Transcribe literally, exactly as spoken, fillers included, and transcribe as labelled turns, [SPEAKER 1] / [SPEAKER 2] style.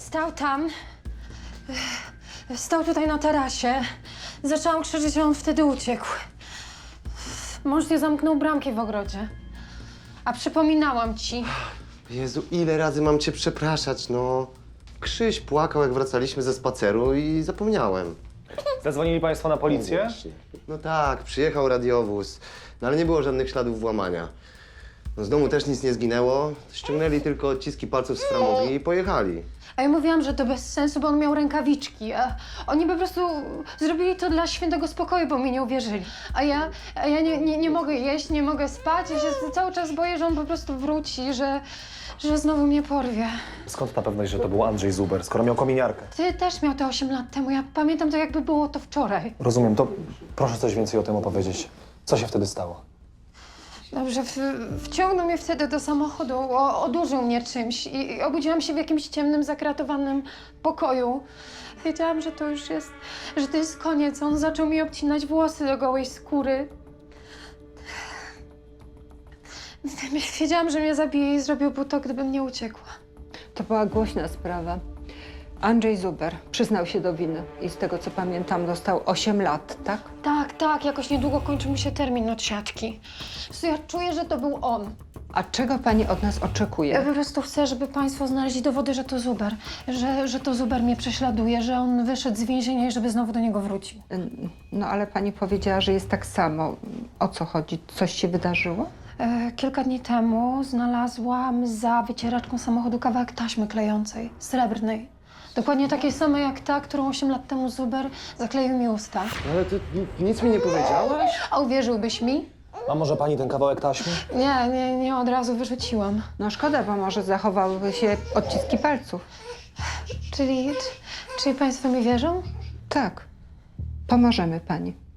[SPEAKER 1] Stał tam. Stał tutaj na tarasie. Zaczęłam krzyczeć, a on wtedy uciekł. Mąż nie zamknął bramki w ogrodzie. A przypominałam ci.
[SPEAKER 2] Jezu, ile razy mam cię przepraszać, no. Krzyś płakał, jak wracaliśmy ze spaceru i zapomniałem.
[SPEAKER 3] Zadzwonili państwo na
[SPEAKER 2] No
[SPEAKER 3] policję?
[SPEAKER 2] właśnie. No tak, przyjechał radiowóz, no ale nie było żadnych śladów włamania. No z domu też nic nie zginęło, ściągnęli tylko odciski palców z framugi i pojechali.
[SPEAKER 1] A ja mówiłam, że to bez sensu, bo on miał rękawiczki. A oni po prostu zrobili to dla świętego spokoju, bo mi nie uwierzyli. A ja, a ja nie, nie, nie mogę jeść, nie mogę spać. Ja się cały czas boję, że on po prostu wróci, że, że znowu mnie porwie.
[SPEAKER 3] Skąd ta pewność, że to był Andrzej Zuber, skoro miał kominiarkę?
[SPEAKER 1] Ty też miał to osiem lat temu. Ja pamiętam to, jakby było to wczoraj.
[SPEAKER 3] Rozumiem, to proszę coś więcej o tym opowiedzieć. Co się wtedy stało?
[SPEAKER 1] Dobrze, w, wciągnął mnie wtedy do samochodu, o, odurzył mnie czymś i, i obudziłam się w jakimś ciemnym, zakratowanym pokoju. Wiedziałam, że to już jest, że to jest koniec. On zaczął mi obcinać włosy do gołej skóry. Wiedziałam, że mnie zabije i zrobiłby to, gdybym nie uciekła.
[SPEAKER 4] To była głośna sprawa. Andrzej Zuber przyznał się do winy i z tego, co pamiętam, dostał osiem lat, tak?
[SPEAKER 1] Tak, tak, jakoś niedługo kończy mi się termin od siatki. Ja czuję, że to był on.
[SPEAKER 4] A czego pani od nas
[SPEAKER 1] Ja
[SPEAKER 4] oczekuje?
[SPEAKER 1] po prostu chcę, żeby państwo znaleźli dowody, że to Zuber. Że, że to Zuber mnie prześladuje, że on wyszedł z więzienia i żeby znowu do niego wrócił.
[SPEAKER 4] No ale pani powiedziała, że jest tak samo. O co chodzi? Coś się wydarzyło?
[SPEAKER 1] E, kilka dni temu znalazłam za wycieraczką samochodu kawałek taśmy klejącej, srebrnej. Dokładnie takiej samej jak ta, którą osiem lat temu Zuber zakleił mi usta.
[SPEAKER 2] Ale ty ni- nic mi nie powiedziałaś?
[SPEAKER 1] A uwierzyłbyś mi?
[SPEAKER 3] A może pani ten kawałek taśmy?
[SPEAKER 1] Nie, nie, nie od razu wyrzuciłam.
[SPEAKER 4] No szkoda, bo może zachowałyby się odciski palców.
[SPEAKER 1] Czyli, czyli państwo mi wierzą?
[SPEAKER 4] Tak. Pomożemy pani.